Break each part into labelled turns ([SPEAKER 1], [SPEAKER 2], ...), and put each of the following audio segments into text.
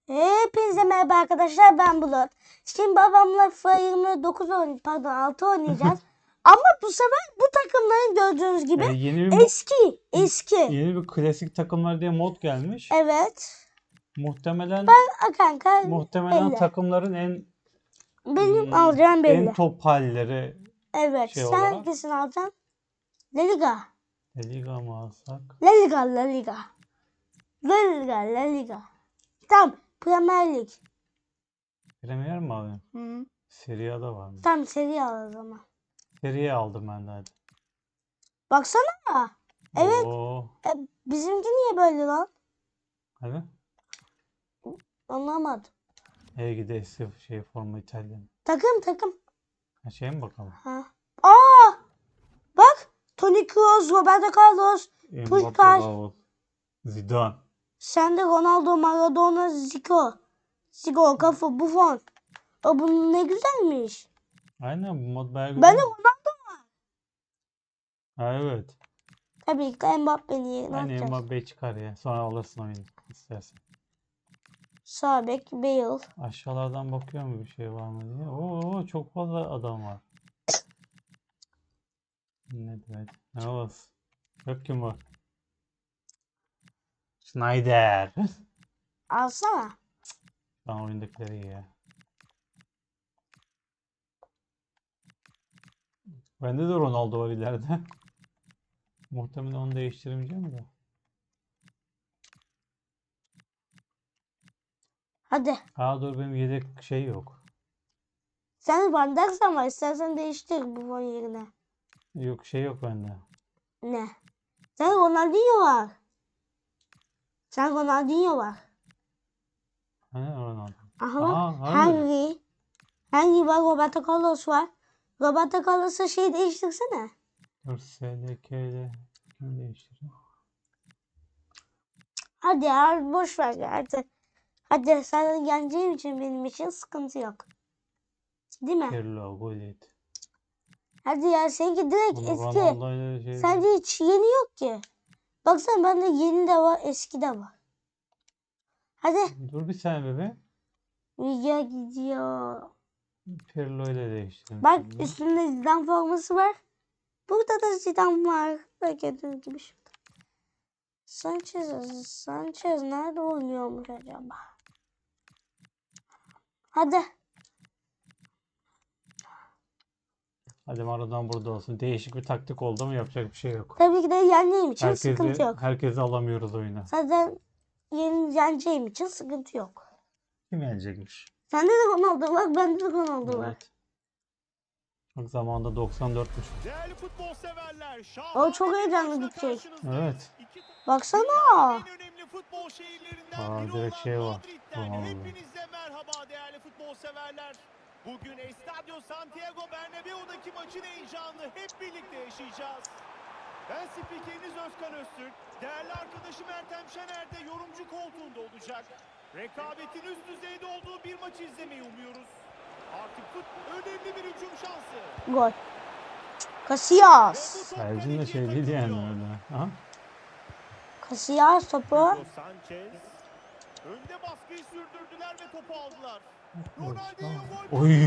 [SPEAKER 1] Hepinize merhaba arkadaşlar, ben Bulut. Şimdi babamla FIFA 29 6 oynayacağız. Ama bu sefer bu takımların gördüğünüz gibi
[SPEAKER 2] Yeni bir
[SPEAKER 1] eski.
[SPEAKER 2] yeni bir klasik takımlar diye mod gelmiş.
[SPEAKER 1] Evet.
[SPEAKER 2] Muhtemelen
[SPEAKER 1] Kanka belli.
[SPEAKER 2] takımların en
[SPEAKER 1] Benim alacağım belli.
[SPEAKER 2] en top halleri
[SPEAKER 1] Evet.
[SPEAKER 2] şey
[SPEAKER 1] Sen
[SPEAKER 2] olarak.
[SPEAKER 1] hangisini alacaksın? La Liga.
[SPEAKER 2] La Liga mı alsak?
[SPEAKER 1] La Liga, La Liga. La Liga, La Liga. Tamam. Premier Lig.
[SPEAKER 2] Premier mi alayım?
[SPEAKER 1] Hı.
[SPEAKER 2] Serie A'da var mı?
[SPEAKER 1] Tamam, seri al o zaman.
[SPEAKER 2] Serie A aldım ben de hadi.
[SPEAKER 1] Baksana. Evet.
[SPEAKER 2] Oo,
[SPEAKER 1] Bizimki niye böyle lan?
[SPEAKER 2] hadi.
[SPEAKER 1] Anlamadım.
[SPEAKER 2] Gidesi forma İtalyan.
[SPEAKER 1] Takım.
[SPEAKER 2] Ha, şey mi bakalım?
[SPEAKER 1] Ha. Aa! Bak. Toni Kroos, Roberto Carlos,
[SPEAKER 2] Mbappe,
[SPEAKER 1] Puskas.
[SPEAKER 2] Raul, Zidane.
[SPEAKER 1] Sende Ronaldo, Maradona, Zico, Cafu, Buffon. Bu ne güzelmiş.
[SPEAKER 2] Aynen bu mod bayağı güzel.
[SPEAKER 1] Ben de Ronaldo.
[SPEAKER 2] Ha, evet.
[SPEAKER 1] Tabii ki Mbappe'nin yerine
[SPEAKER 2] Hani
[SPEAKER 1] atacağız.
[SPEAKER 2] Mbappe çıkar ya. Sonra alırsın oyunu istersen.
[SPEAKER 1] Sağ bek, Bale.
[SPEAKER 2] Aşağılardan bakıyorum bir şey var mı diye. Oo, çok fazla adam var. Ne demek? Ne olsun? Yok kim var? Schneider.
[SPEAKER 1] Alsana.
[SPEAKER 2] Ben oyundakileri iyi ya. Bende de Ronaldo var ileride. Muhtemelen onu değiştirmeyeceğim de.
[SPEAKER 1] Hadi.
[SPEAKER 2] Dur benim yedek şey yok.
[SPEAKER 1] Sen Van Dijk ama istersen değiştir Buffon yerine.
[SPEAKER 2] Yok şey yok bende.
[SPEAKER 1] Ne? Sen Ronaldinho var.
[SPEAKER 2] Hani Ronaldo?
[SPEAKER 1] Aha bak.
[SPEAKER 2] Harbi.
[SPEAKER 1] Henry var, Roberto Carlos var. Roberto Carlos'a şey değiştirsene.
[SPEAKER 2] Dur SDK'de kim değiştiriyor?
[SPEAKER 1] Hadi ya, boş ver ya. Hadi sen yeneceğin için benim için sıkıntı yok. Değil mi?
[SPEAKER 2] Pirlo, Gullit.
[SPEAKER 1] Hadi ya, seninki direkt
[SPEAKER 2] Bunu
[SPEAKER 1] eski.
[SPEAKER 2] Ronaldo'yla şey...
[SPEAKER 1] Sende hiç yeni yok ki. Baksana bende yeni de var, eski de var. Hadi.
[SPEAKER 2] Dur bir saniye bebe.
[SPEAKER 1] Video gidiyor.
[SPEAKER 2] Pirlo ile değiştirdim.
[SPEAKER 1] Bak
[SPEAKER 2] şimdi.
[SPEAKER 1] üstünde Zidane forması var. Burada da Zidane var. Bak gördüğünüz gibi şurada. Sanchez nerede oynuyormuş acaba? Hadi.
[SPEAKER 2] Hadi Maradona burada olsun. Değişik bir taktik oldu ama yapacak bir şey yok.
[SPEAKER 1] Tabii ki de yeneceğim için sıkıntı yok.
[SPEAKER 2] Herkesi alamıyoruz oyuna.
[SPEAKER 1] Zaten yeneceğim için sıkıntı yok.
[SPEAKER 2] Kim yenecekmiş?
[SPEAKER 1] Sende de Ronaldo var, bende de Ronaldo var.
[SPEAKER 2] Evet. Bak zamanında 94'müş.
[SPEAKER 3] Değerli futbol severler,
[SPEAKER 1] O çok heyecanlı gidecek.
[SPEAKER 2] Evet.
[SPEAKER 1] Baksana.
[SPEAKER 3] en önemli futbol şehirlerinden biri
[SPEAKER 2] Direkt
[SPEAKER 3] olan
[SPEAKER 2] şey var.
[SPEAKER 3] Madrid'den
[SPEAKER 2] Ronaldo.
[SPEAKER 3] hepinize merhaba değerli futbol severler. Bugün Estadio Santiago Bernabéu'daki maçın heyecanını hep birlikte yaşayacağız. Ben spikeriniz Özkan Öztürk, değerli arkadaşım Ertem Şener de yorumcu koltuğunda olacak. Rekabetin üst düzeyde olduğu bir maçı izlemeyi umuyoruz. Artık önemli bir hücum şansı.
[SPEAKER 1] Gol. Casillas.
[SPEAKER 2] Tercihim de şey değil yani öyle. Ha?
[SPEAKER 1] Casillas topu.
[SPEAKER 3] Hugo Sanchez. Önde baskıyı sürdürdüler ve topu aldılar. Ronaldinho gol.
[SPEAKER 2] Oy.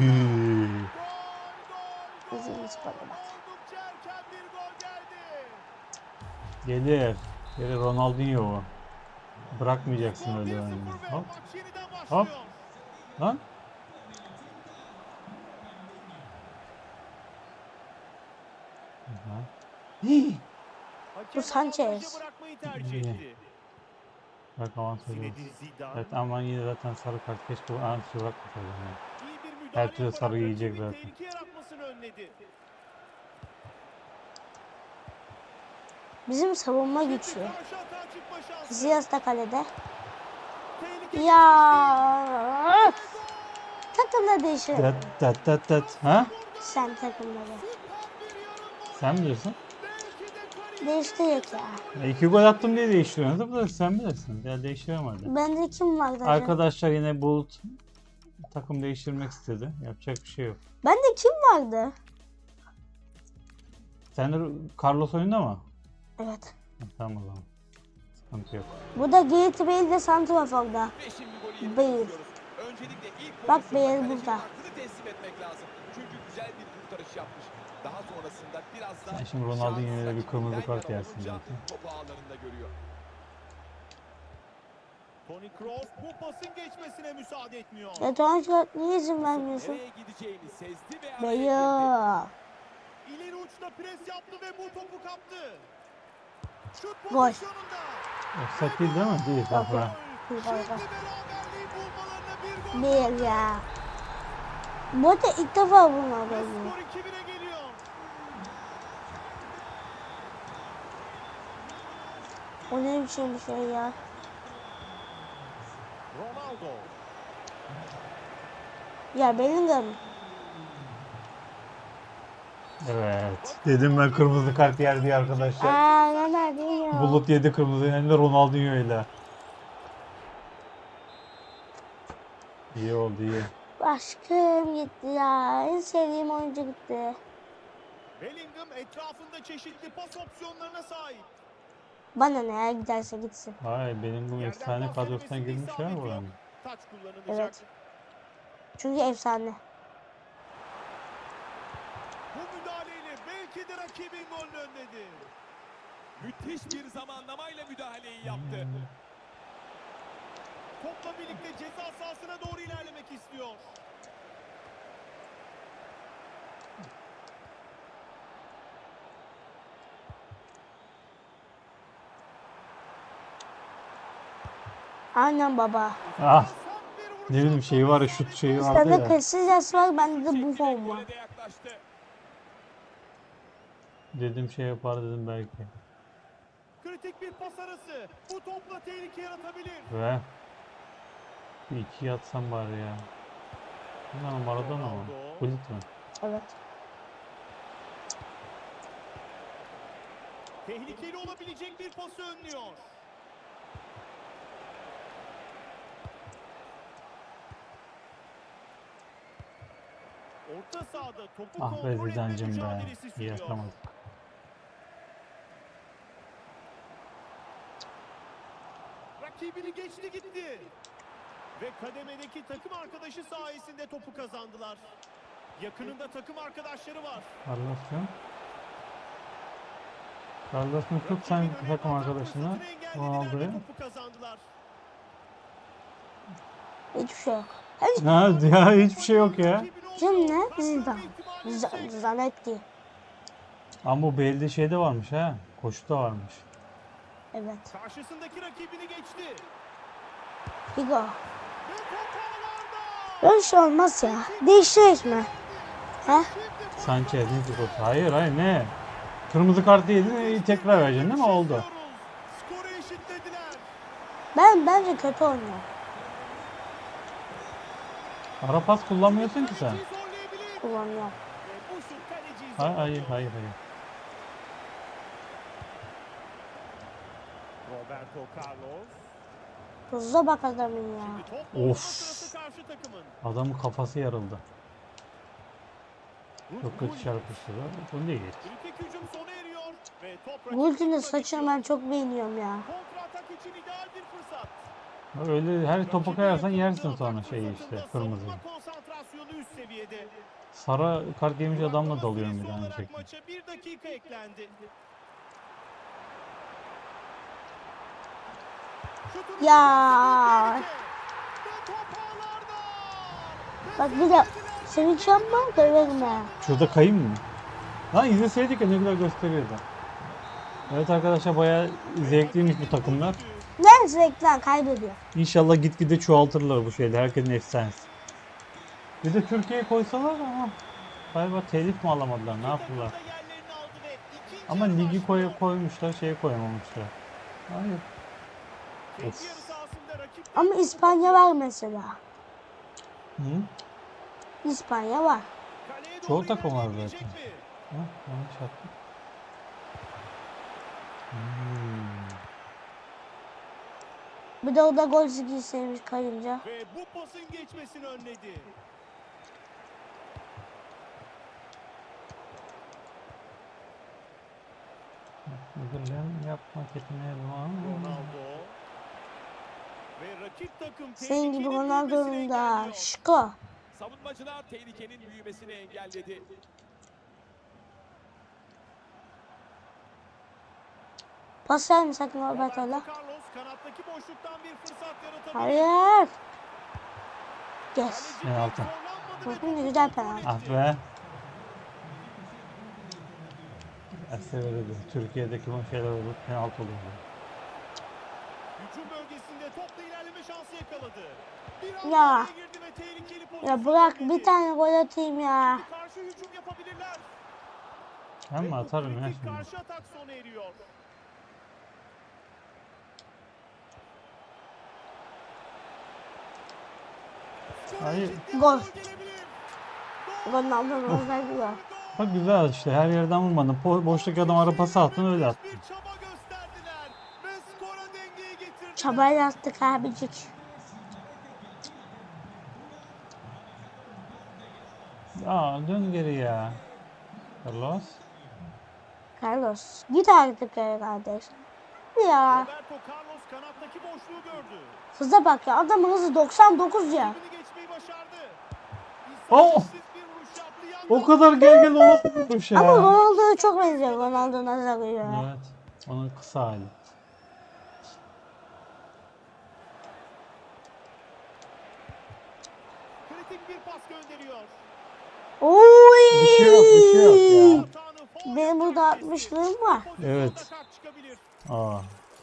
[SPEAKER 1] Bizim sporda bak.
[SPEAKER 3] Oldukça erken bir gol geldi.
[SPEAKER 2] Gelir. Gelir Ronaldinho. Bırakmayacaksın öyle yani. Hop.
[SPEAKER 3] Maç yeniden
[SPEAKER 2] Hop.
[SPEAKER 3] başlıyor.
[SPEAKER 2] Lan.
[SPEAKER 3] Hakem
[SPEAKER 1] Sanchez.
[SPEAKER 3] avantajı bırakmayı tercih etti.
[SPEAKER 2] Bak avantajı var.
[SPEAKER 3] Zinedine Zidane.
[SPEAKER 2] Evet ama yine zaten sarı kart keşke avantajı bırakmasaydım. Yani.
[SPEAKER 3] İyi bir
[SPEAKER 2] Her
[SPEAKER 3] müdahale
[SPEAKER 2] türlü sarı
[SPEAKER 3] yaparak
[SPEAKER 2] yiyecek
[SPEAKER 3] rakibin
[SPEAKER 2] zaten.
[SPEAKER 3] tehlike yaratmasını önledi.
[SPEAKER 1] Bizim savunma
[SPEAKER 3] Şimdi
[SPEAKER 1] güçlü.
[SPEAKER 3] karşı atağa çıkma şansı.
[SPEAKER 1] Casillas da kalede.
[SPEAKER 3] Tehlikeli
[SPEAKER 1] Ya. Takımda değişir.
[SPEAKER 2] Tat. Ha?
[SPEAKER 1] Sen takımları.
[SPEAKER 2] Sen bilirsin.
[SPEAKER 1] Değiştirecek ya.
[SPEAKER 2] 2 gol attım diye değiştiriyorsun. Bu da sen bilirsin. Ya değiştiremem hadi.
[SPEAKER 1] Bende kim var zaten?
[SPEAKER 2] Arkadaşlar yine Bulut takım değiştirmek istedi. Yapacak bir şey yok.
[SPEAKER 1] Bende kim vardı?
[SPEAKER 2] Sen de Carlos oyunda mı?
[SPEAKER 1] Evet.
[SPEAKER 2] Tamam o zaman. Sıkıntı yok.
[SPEAKER 1] Bu da Gareth Bale de santraforda.
[SPEAKER 3] Ve şimdi golü
[SPEAKER 4] yerine
[SPEAKER 1] Bale.
[SPEAKER 4] bakıyoruz. Öncelikle ilk
[SPEAKER 1] Bak,
[SPEAKER 4] pozisyonda
[SPEAKER 1] Bale
[SPEAKER 4] kalecinin
[SPEAKER 1] burada.
[SPEAKER 4] hakkını teslim etmek lazım. Çünkü güzel bir kurtarış yapmış. Daha sonrasında biraz da
[SPEAKER 2] Sen şimdi Ronaldinho'ya
[SPEAKER 4] şans
[SPEAKER 2] bir kırmızı
[SPEAKER 4] rakibinden
[SPEAKER 2] kart
[SPEAKER 4] yana
[SPEAKER 2] yersin
[SPEAKER 4] olunca
[SPEAKER 2] zaten.
[SPEAKER 4] topu ağlarında görüyor.
[SPEAKER 3] Toni Kroos bu pasın geçmesine müsaade etmiyor.
[SPEAKER 1] Jeton şart niye izin vermiyorsun?
[SPEAKER 4] Nereye gideceğini sezdi ve araya girdi.
[SPEAKER 1] Bale.
[SPEAKER 3] İleri uçta pres yaptı ve bu topu kaptı. Şut
[SPEAKER 1] Gol.
[SPEAKER 3] pozisyonunda.
[SPEAKER 2] Offside değil mi? Değil. Bak
[SPEAKER 3] Gol.
[SPEAKER 2] ha.
[SPEAKER 1] Bir
[SPEAKER 3] Şimdi
[SPEAKER 1] gol.
[SPEAKER 3] beraberliği bulmalarına bir gol.
[SPEAKER 1] Bir ya. Bu arada ilk defa bunlar
[SPEAKER 3] Ve
[SPEAKER 1] böyle.
[SPEAKER 3] skor 2-1'e geliyor.
[SPEAKER 1] O ne biçim bir şey ya.
[SPEAKER 3] Ronaldo.
[SPEAKER 1] Ya Bellingham.
[SPEAKER 2] Evet. Dedim ben kırmızı kart yer diye arkadaşlar.
[SPEAKER 1] Ronaldinho.
[SPEAKER 2] Bulut yedi kırmızı, hem de Ronaldinho ile. İyi oldu, iyi.
[SPEAKER 1] Aşkım gitti ya. En sevdiğim oyuncu gitti.
[SPEAKER 3] Bellingham etrafında çeşitli pas opsiyonlarına sahip.
[SPEAKER 1] Bana ne ya, giderse gitsin.
[SPEAKER 2] Vay, benim bu
[SPEAKER 3] Yerden
[SPEAKER 2] efsane
[SPEAKER 3] pas
[SPEAKER 2] kadrosuna
[SPEAKER 3] denemesinde
[SPEAKER 2] girmiş ya
[SPEAKER 3] isabet yok.
[SPEAKER 2] buranın.
[SPEAKER 3] Taç kullanılacak.
[SPEAKER 1] Evet. Çünkü efsane.
[SPEAKER 3] Bu müdahaleyle belki de rakibin golünü önledi.
[SPEAKER 4] Müthiş bir zamanlamayla müdahaleyi yaptı.
[SPEAKER 3] Topla birlikte ceza sahasına doğru ilerlemek istiyor.
[SPEAKER 1] Aynen baba.
[SPEAKER 2] Ah,
[SPEAKER 3] Sert bir vuruş
[SPEAKER 2] ne bileyim
[SPEAKER 3] yaptı
[SPEAKER 2] şeyi var ya,
[SPEAKER 3] ve
[SPEAKER 2] şut şeyi
[SPEAKER 3] isabetli.
[SPEAKER 2] vardı
[SPEAKER 1] Sende
[SPEAKER 2] ya.
[SPEAKER 1] Casillas var, bende de Buffon var.
[SPEAKER 4] Gole de yaklaştı.
[SPEAKER 2] Dedim şey yapar dedim belki.
[SPEAKER 3] Kritik bir pas arası. Bu topla tehlike yaratabilir.
[SPEAKER 2] Ve bir iki yatsam bari ya. Bunlar Maradona mı? Bulut mu?
[SPEAKER 1] Evet.
[SPEAKER 3] Tehlikeli olabilecek bir pası önlüyor. Orta sahada topu
[SPEAKER 2] Ah be
[SPEAKER 3] kontrol etme
[SPEAKER 2] Zidane'cim be.
[SPEAKER 3] mücadelesi
[SPEAKER 2] İyi
[SPEAKER 3] sürüyor.
[SPEAKER 2] atamadık.
[SPEAKER 3] Rakibini geçti gitti. Ve kademedeki takım arkadaşı sayesinde topu kazandılar. Yakınında takım arkadaşları var.
[SPEAKER 2] Carlos yok. Carlos'un tut sen
[SPEAKER 3] Rakibin öne
[SPEAKER 2] takım
[SPEAKER 3] atak
[SPEAKER 2] arkadaşını.
[SPEAKER 3] fırsatını engellediler
[SPEAKER 2] Ronaldo'ya.
[SPEAKER 3] ve topu kazandılar.
[SPEAKER 1] Hiçbir şey yok.
[SPEAKER 2] Ha ya, hiçbir şey yok ya.
[SPEAKER 1] Kim ne? Zidane. Zanetti.
[SPEAKER 2] Ama bu Bale'de şey de varmış ha. Koşu da varmış.
[SPEAKER 1] Evet.
[SPEAKER 3] Karşısındaki rakibini geçti.
[SPEAKER 1] Figo.
[SPEAKER 3] Ve top ağlarda.
[SPEAKER 1] Böyle şey olmaz ya. Değiştiririz mi? He?
[SPEAKER 2] Sanchez ne Figo? Hayır hayır, ne? Kırmızı kartı yedin, tekrar vereceksin değil mi? Oldu.
[SPEAKER 3] Skoru eşitlediler.
[SPEAKER 1] Bence kötü oynuyor.
[SPEAKER 2] Ara pas kullanmıyorsun ki sen.
[SPEAKER 3] Kaleciyi zorlayabilir.
[SPEAKER 1] Kullanıyor.
[SPEAKER 3] Ve bu şut kaleciyi
[SPEAKER 2] Hayır
[SPEAKER 3] zorladı.
[SPEAKER 2] hayır hayır.
[SPEAKER 3] Roberto Carlos.
[SPEAKER 1] Hızlı bak adamın ya.
[SPEAKER 3] Şimdi top oynama
[SPEAKER 2] Of.
[SPEAKER 3] sırası karşı takımın.
[SPEAKER 2] Adamın kafası yarıldı. Çok kötü
[SPEAKER 3] Gullit.
[SPEAKER 2] çarpıştılar. Bu değil.
[SPEAKER 3] Kritik hücum sona eriyor ve top rakip
[SPEAKER 1] Gult'un
[SPEAKER 3] takıma
[SPEAKER 1] saçını ben çok beğeniyorum ya.
[SPEAKER 3] kontratak için ideal bir fırsat.
[SPEAKER 2] Öyle her topa
[SPEAKER 3] Rakibi
[SPEAKER 2] kayarsan
[SPEAKER 3] yakaladığı
[SPEAKER 2] yersin sonra
[SPEAKER 3] atak
[SPEAKER 2] şeyi
[SPEAKER 3] fırsatında
[SPEAKER 2] işte, kırmızıyı.
[SPEAKER 3] savunma konsantrasyonu üst seviyede.
[SPEAKER 2] Sarı kart yemiş adamla
[SPEAKER 3] Duraklama
[SPEAKER 2] dalıyorum bir
[SPEAKER 3] süresi
[SPEAKER 2] tane
[SPEAKER 3] olarak
[SPEAKER 2] şekilde.
[SPEAKER 3] maça 1 dakika eklendi. Şutunu
[SPEAKER 1] Ya.
[SPEAKER 3] tehlike. Ve top ağlarda.
[SPEAKER 1] Bak bir de sevinç yapma, döverim ha.
[SPEAKER 2] Şurada kayayım mı? Lan izleseydik ya, ne güzel gösteriyordu. Evet arkadaşlar, bayağı zevkliymiş bu takımlar.
[SPEAKER 1] Ne zevkler kaybediyor.
[SPEAKER 2] İnşallah gitgide çoğaltırlar bu şeyde. Herkesin efsanesi. Bir de Türkiye'ye koysalar ama galiba telif mi alamadılar, ne yaptılar?
[SPEAKER 3] Takım da yerlerini aldı ve ikinci
[SPEAKER 2] Ama
[SPEAKER 3] yarı
[SPEAKER 2] ligi
[SPEAKER 3] başlıyor.
[SPEAKER 2] koymuşlar, şeye koyamamışlar. Hayır.
[SPEAKER 3] Kendi
[SPEAKER 2] Of.
[SPEAKER 3] yarı sahasında rakip
[SPEAKER 1] Ama İspanya var mesela.
[SPEAKER 2] Hı?
[SPEAKER 1] İspanya var.
[SPEAKER 3] kaleye doğru
[SPEAKER 2] Çoğu takım var
[SPEAKER 3] ilerleyebilecek
[SPEAKER 2] zaten.
[SPEAKER 3] mi?
[SPEAKER 2] Ha, yanlış attım. Hmm.
[SPEAKER 1] Bir de o da gol sevmiş kayınca.
[SPEAKER 3] Ve bu pasın geçmesini önledi.
[SPEAKER 2] Müdürlüğün yapmak etmeye var.
[SPEAKER 3] Ronaldo. Ve rakip takım
[SPEAKER 1] Senin gibi
[SPEAKER 3] tehlikenin
[SPEAKER 1] Ronaldo'nun
[SPEAKER 3] büyümesini
[SPEAKER 1] da
[SPEAKER 3] engelliyor.
[SPEAKER 1] şıko.
[SPEAKER 4] Savunmacılar tehlikenin büyümesini engelledi.
[SPEAKER 1] Pas verme sakın
[SPEAKER 3] Roberto
[SPEAKER 1] Roberto'la.
[SPEAKER 3] Carlos kanattaki boşluktan bir fırsat yaratabilir.
[SPEAKER 1] Hayır. Yes.
[SPEAKER 3] Kaleci
[SPEAKER 2] Penaltı.
[SPEAKER 3] zorlanmadı ve
[SPEAKER 1] Bakın
[SPEAKER 3] topu
[SPEAKER 1] güzel
[SPEAKER 3] kontrol
[SPEAKER 1] penaltı.
[SPEAKER 3] etti.
[SPEAKER 2] Ah be. Severdi. Türkiye'deki bu şeyler olur. Penaltı oluyor.
[SPEAKER 3] Hücum bölgesinde topla ilerleme şansı yakaladı. Bir anda
[SPEAKER 1] Ya.
[SPEAKER 3] araya girdi ve tehlikeli pozisyon
[SPEAKER 1] Ya bırak
[SPEAKER 3] önledi.
[SPEAKER 1] bir tane gol atayım ya.
[SPEAKER 3] Şimdi karşı hücum yapabilirler.
[SPEAKER 2] Ben
[SPEAKER 3] Ve
[SPEAKER 2] mi
[SPEAKER 3] bu
[SPEAKER 2] atarım ya
[SPEAKER 3] kritik
[SPEAKER 2] şimdi?
[SPEAKER 3] karşı atak sona eriyor. Skora
[SPEAKER 2] Hayır.
[SPEAKER 3] eşitleyen
[SPEAKER 1] Gol.
[SPEAKER 3] gelebilir.
[SPEAKER 1] Ronaldo'nun özelliği var.
[SPEAKER 2] Bak güzel işte her yerden vurmadın. Boştaki adam ara pası attın öyle attın.
[SPEAKER 3] Bir çaba gösterdiler ve skora dengeyi getirdiler.
[SPEAKER 1] Çabayla attık abicik.
[SPEAKER 2] Aa dön geri ya. Carlos.
[SPEAKER 1] Carlos git artık ya kardeş. Ya
[SPEAKER 3] Roberto Carlos kanattaki boşluğu gördü.
[SPEAKER 1] hıza bak ya adamın hızı 99 ya.
[SPEAKER 3] Rakibini geçmeyi başardı.
[SPEAKER 2] Oh!
[SPEAKER 3] İsabetsizsiz bir vuruş yaptı. Yandan
[SPEAKER 2] O kadar gel o nasıl vurmuş ya.
[SPEAKER 1] Ama Ronaldo'ya çok benziyor Ronaldo'nun azarı ya.
[SPEAKER 2] Evet. Onun kısa hali.
[SPEAKER 3] kritik bir pas gönderiyor.
[SPEAKER 1] Oy!
[SPEAKER 2] Bir şey yok, bir şey yok ya.
[SPEAKER 3] Hatanın faul
[SPEAKER 1] Benim burada
[SPEAKER 3] yapan kesti.
[SPEAKER 1] 60'lığım var.
[SPEAKER 3] Pozisyonda
[SPEAKER 2] Evet.
[SPEAKER 3] kart çıkabilir.
[SPEAKER 2] Aa.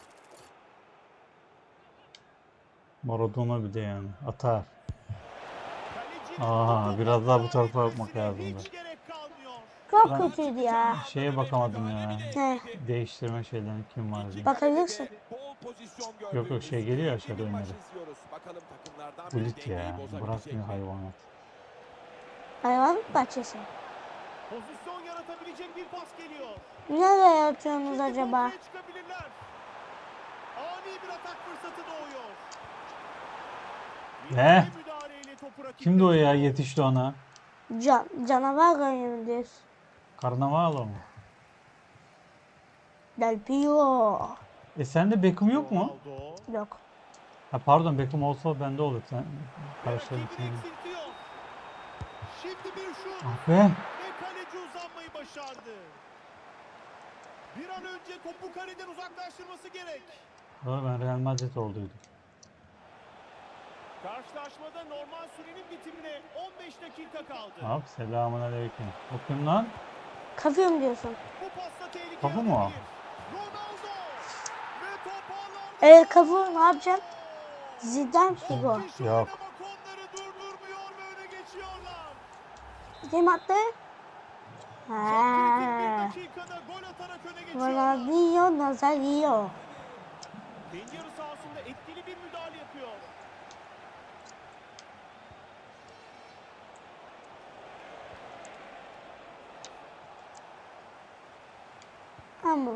[SPEAKER 2] Maradona bir de yani. Atar.
[SPEAKER 3] Kalecinin
[SPEAKER 2] Aha,
[SPEAKER 3] topu
[SPEAKER 2] biraz daha bu
[SPEAKER 3] kontrol
[SPEAKER 2] tarafa bakmak
[SPEAKER 3] etmesine
[SPEAKER 2] lazımdı.
[SPEAKER 3] hiç gerek kalmıyor.
[SPEAKER 1] Çok
[SPEAKER 2] Ben-
[SPEAKER 1] kötüydü ya.
[SPEAKER 2] Şeye bakamadım ya.
[SPEAKER 1] Ne?
[SPEAKER 2] Değiştirme şeylerini kim var diye.
[SPEAKER 1] Bakabilirsin.
[SPEAKER 4] Bol pozisyon
[SPEAKER 2] Yok, yok,
[SPEAKER 4] gördüğümüz
[SPEAKER 2] şey geliyor
[SPEAKER 4] keyifli
[SPEAKER 2] aşağıda
[SPEAKER 4] bir maç
[SPEAKER 2] önleri.
[SPEAKER 4] izliyoruz. Bakalım takımlardan
[SPEAKER 2] Bu
[SPEAKER 4] biri
[SPEAKER 2] lig
[SPEAKER 4] dengeyi
[SPEAKER 2] ya.
[SPEAKER 4] bozabilecek
[SPEAKER 2] Bırakmıyor
[SPEAKER 4] mi?
[SPEAKER 2] hayvanat.
[SPEAKER 1] Hayvanlık bahçesi.
[SPEAKER 3] Pozisyon yaratabilecek bir pas geliyor.
[SPEAKER 1] Nereye atıyorsunuz
[SPEAKER 3] Şimdi
[SPEAKER 1] acaba?
[SPEAKER 3] kontraya çıkabilirler. Ani bir atak fırsatı doğuyor.
[SPEAKER 2] Ne?
[SPEAKER 3] Bir müdahaleyle topu rakipten
[SPEAKER 2] Kimdi o ya
[SPEAKER 3] alıyor.
[SPEAKER 2] yetişti ona?
[SPEAKER 1] Canavar oynuyor.
[SPEAKER 2] Karnaval mı?
[SPEAKER 1] Del Pio.
[SPEAKER 2] Sende Beckham yok mu?
[SPEAKER 3] Ronaldo.
[SPEAKER 1] Yok.
[SPEAKER 2] Ha pardon Beckham olsa bende olur. Sen karşıladın
[SPEAKER 3] Rakibini
[SPEAKER 2] seni.
[SPEAKER 3] eksiltiyor. Şimdi bir şut
[SPEAKER 2] Ah be.
[SPEAKER 3] ve kaleci uzanmayı başardı. Bir an önce topu kaleden uzaklaştırması gerek.
[SPEAKER 2] Doğru ben Real Madrid olduydum.
[SPEAKER 3] Karşılaşmada normal sürenin bitimine 15 dakika kaldı.
[SPEAKER 2] Hop selamun aleyküm. O kim lan?
[SPEAKER 1] Kafıyorum diyorsun.
[SPEAKER 3] Bu pasta tehlike
[SPEAKER 2] Kapı mı o?
[SPEAKER 3] yaratabilir. Ronaldo ve top ağlarda.
[SPEAKER 1] Evet kafı ne yapacaksın? Zidane Figo.
[SPEAKER 3] On kişi
[SPEAKER 2] Yok.
[SPEAKER 3] oynamak onları durdurmuyor ve öne geçiyorlar.
[SPEAKER 1] Kim attı?
[SPEAKER 3] Çok kritik bir
[SPEAKER 1] Ha.
[SPEAKER 3] dakikada gol atarak öne geçiyorlar.
[SPEAKER 1] Ronaldinho Nazario.
[SPEAKER 3] Kendi yarı sahasında etkili bir müdahale yapıyor.
[SPEAKER 1] Ama.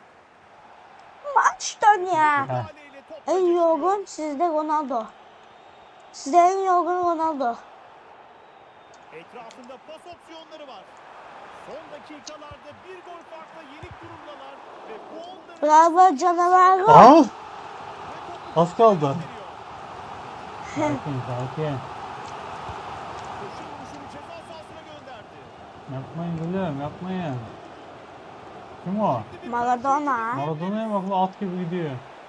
[SPEAKER 1] Maç dön ya.
[SPEAKER 3] Müdahaleyle top
[SPEAKER 1] En
[SPEAKER 3] kaçışıyor.
[SPEAKER 1] yorgun sizde Ronaldo. Sizde en yorgun Ronaldo.
[SPEAKER 3] Etrafında pas opsiyonları var. Son dakikalarda bir gol farkla yenik durumdalar ve bu onları
[SPEAKER 1] Bravo canavar.
[SPEAKER 2] Al.
[SPEAKER 3] ve topu
[SPEAKER 2] Az kaldı.
[SPEAKER 3] gösteriyor.
[SPEAKER 2] Sakin sakin.
[SPEAKER 3] Köşe vuruşunu ceza sahasına gönderdi.
[SPEAKER 2] Yapmayın gülüm yapmayın. Kim o?
[SPEAKER 3] Şimdi bir
[SPEAKER 1] Maradona.
[SPEAKER 2] Maradona'ya bak bu at gibi gidiyor.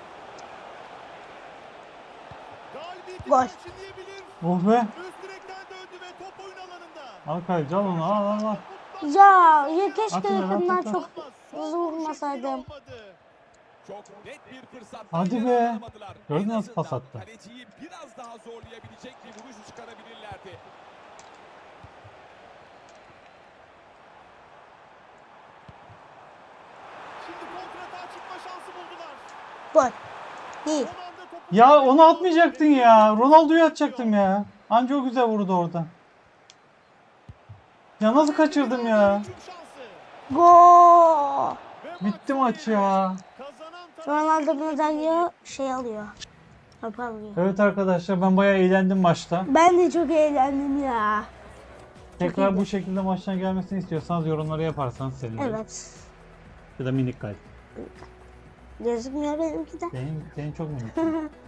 [SPEAKER 3] galibiyeti
[SPEAKER 1] Gol.
[SPEAKER 3] perçinleyebilir.
[SPEAKER 2] Oh be.
[SPEAKER 3] Üst direkten döndü ve top oyun alanında.
[SPEAKER 2] Al kaleci al onu al al al.
[SPEAKER 1] Ya keşke
[SPEAKER 2] Atın,
[SPEAKER 1] yakından
[SPEAKER 2] atın.
[SPEAKER 1] çok
[SPEAKER 3] Ama son
[SPEAKER 1] hızlı
[SPEAKER 3] vuruş
[SPEAKER 1] vurmasaydım.
[SPEAKER 3] etkili olmadı.
[SPEAKER 4] Çok net bir fırsat.
[SPEAKER 2] Hadi be. Gördün mü nasıl pas attı?
[SPEAKER 4] Kaleciyi biraz daha zorlayabilecek bir vuruş çıkarabilirlerdi.
[SPEAKER 3] Şimdi kontratağa çıkma şansı buldular.
[SPEAKER 1] Gol. Değil.
[SPEAKER 3] Son anda topu
[SPEAKER 2] Ya onu atmayacaktın ya. Ronaldo'yu atacaktım ya. Anca o güzel vurdu orada. Ya nasıl kaçırdım ya?
[SPEAKER 3] Hücum şansı.
[SPEAKER 1] Gol.
[SPEAKER 3] Ve
[SPEAKER 2] Bitti maç ya.
[SPEAKER 3] Kazanan taraf
[SPEAKER 1] Ronaldo Nazario şey alıyor. Topu alıyor.
[SPEAKER 2] Evet arkadaşlar ben bayağı eğlendim maçta.
[SPEAKER 1] Ben de çok eğlendim ya.
[SPEAKER 2] Tekrar
[SPEAKER 1] iyiydi.
[SPEAKER 2] bu şekilde maçtan gelmesini istiyorsanız yorumlara yaparsanız sevinirim.
[SPEAKER 1] Evet.
[SPEAKER 2] Ya da minik kalp.
[SPEAKER 1] Gözükmüyor benimki de.
[SPEAKER 2] Senin çok minik.